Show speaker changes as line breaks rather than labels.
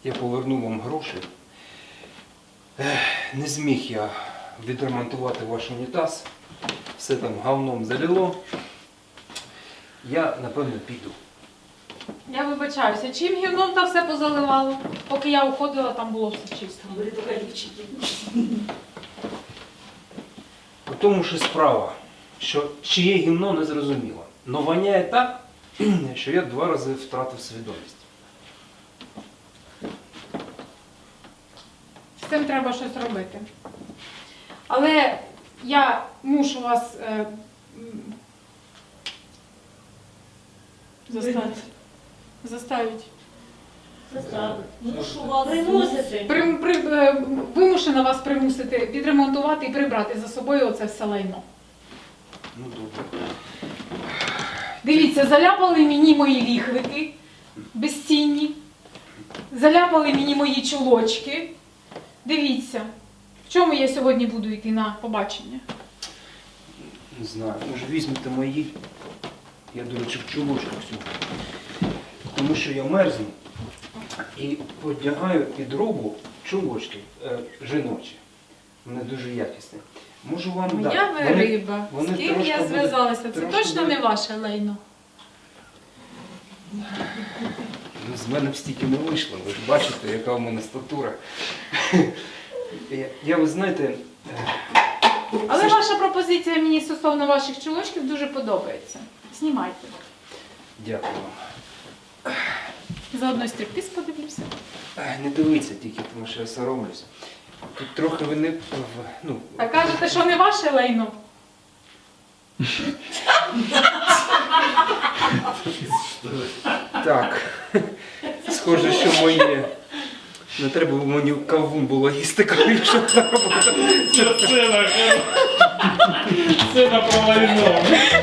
я поверну вам гроші. Не зміг я відремонтувати ваш унітаз. Все там говном залило. Я, напевно, піду.
Я вибачаюся, чим гівном та все позаливало? Поки я уходила, там було все чисто.
У тому ж і справа, що чиє гімно не зрозуміло. Но воняє так, що я 2 рази втратив свідомість.
З цим треба щось робити. Але я мушу вас заставити.
Мушу вас примусити.
Вимушена вас примусити відремонтувати і прибрати за собою оце все лайно.
Ну, добре.
Дивіться, заляпали мені мої віхлики безцінні, заляпали мені мої чулочки. Дивіться, в чому я сьогодні буду йти на побачення?
Не знаю, може візьмете мої. Я, до речі, в чулочках сьогодні. Тому що я мерзну і одягаю під робу чулочки жіночі. Вони дуже якісні. Можу вам дати.
Моя ви риба.
вони
З ким
трошки
я зв'язалася? Це
трошки
точно
будуть-
не ваше лайно.
Ну, з мене б стільки не вийшло, ви ж бачите, яка в мене статура. Ви знаєте,
Але
Це ж-
ваша пропозиція мені стосовно ваших чулочків дуже подобається. Знімайте.
дякую вам.
Заодно й стриптиз подивлюся.
Не дивіться тільки, тому що я соромлюсь. Тут трохи ви не... Ну,
А кажете, що не ваше лайно?
так. Схоже, що моє... Не треба мені кавун було їсти, коли що треба.
Сцена про лайно.